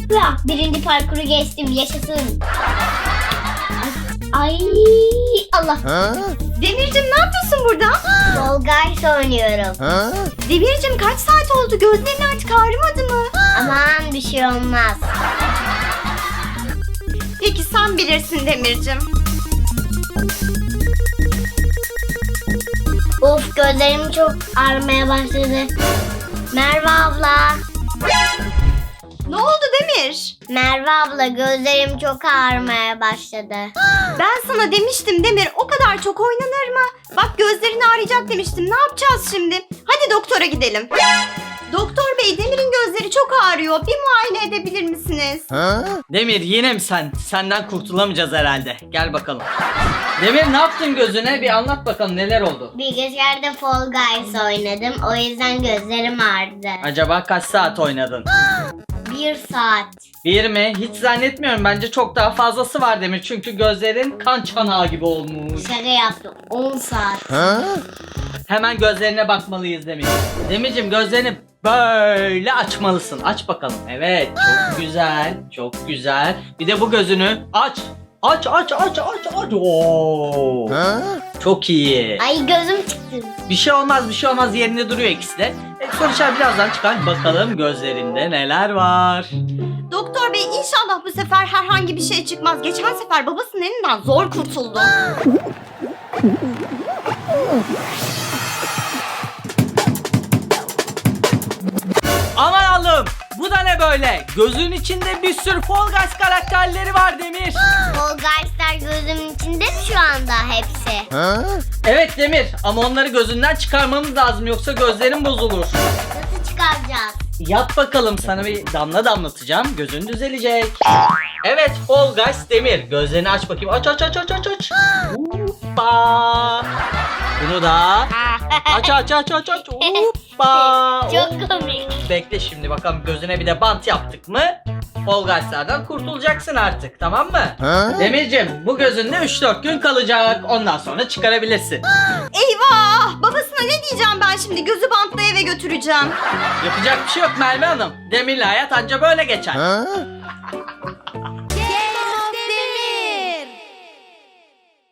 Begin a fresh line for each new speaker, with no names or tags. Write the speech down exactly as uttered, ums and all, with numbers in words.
Hıa, birinci parkuru geçtim, yaşasın. Ay, ay Allah.
Demircim ne yapıyorsun burada?
Fall Guys oynuyorum.
Demircim kaç saat oldu? Gözlerin artık ağrımadı mı?
Aman bir şey olmaz.
Peki sen bilirsin Demircim.
Of, gözlerim çok ağrımaya başladı. Merve abla.
Ne oldu Demir?
Merve abla, gözlerim çok ağrımaya başladı.
Ben sana demiştim Demir, o kadar çok oynanır mı? Bak gözlerin ağrıyacak demiştim. Ne yapacağız şimdi? Hadi doktora gidelim. Doktor bey, Demir'in gözleri çok ağrıyor. Bir muayene edebilir misiniz?
Demir yine mi sen? Senden kurtulamayacağız herhalde. Gel bakalım. Demir ne yaptın gözüne? Bir anlat bakalım neler oldu?
Bilgisayarda Fall Guys oynadım. O yüzden gözlerim ağrıdı.
Acaba kaç saat oynadın?
Bir saat.
Bir mi? Hiç zannetmiyorum. Bence çok daha fazlası var Demir. Çünkü gözlerin kan çanağı gibi olmuş.
Şaka yaptım. on saat.
Hemen gözlerine bakmalıyız Demir. Demircim gözlerini böyle açmalısın. Aç bakalım. Evet. Çok güzel. Çok güzel. Bir de bu gözünü aç. Aç aç aç aç aç. Oo. Çok iyi.
Ay, gözüm çıktı.
Bir şey olmaz bir şey olmaz, yerinde duruyor ikisi de. E, sonuçlar birazdan çıkar. Bakalım gözlerinde neler var.
Doktor bey, inşallah bu sefer herhangi bir şey çıkmaz. Geçen sefer babasının elinden zor kurtuldu.
Aman Allah'ım, bu da ne böyle? Gözün içinde bir sürü Fall Guys karakterleri var Demir.
Fall Guys'lar gözümün içinde mi şu anda hepsi?
Evet Demir, ama onları gözünden çıkarmamız lazım, yoksa gözlerin bozulur.
Nasıl çıkaracağız?
Yap bakalım, sana bir damla damlatacağım, gözün düzelecek. Evet Fall Guys Demir, gözlerini aç bakayım. Aç aç aç aç aç aç. Hoppa. Bunu da aç aç aç aç aç. Hoppa.
Çok komik.
Bekle şimdi bakalım, gözüne bir de bant yaptık mı Fall Guys'lardan kurtulacaksın artık, tamam mı? Demircim, bu gözünde üç dört gün kalacak, ondan sonra çıkarabilirsin.
Eyvah! Babasına ne diyeceğim ben şimdi? Gözü bantla eve götüreceğim.
Yapacak bir şey yok Merve Hanım, Demir'le hayat anca böyle geçer.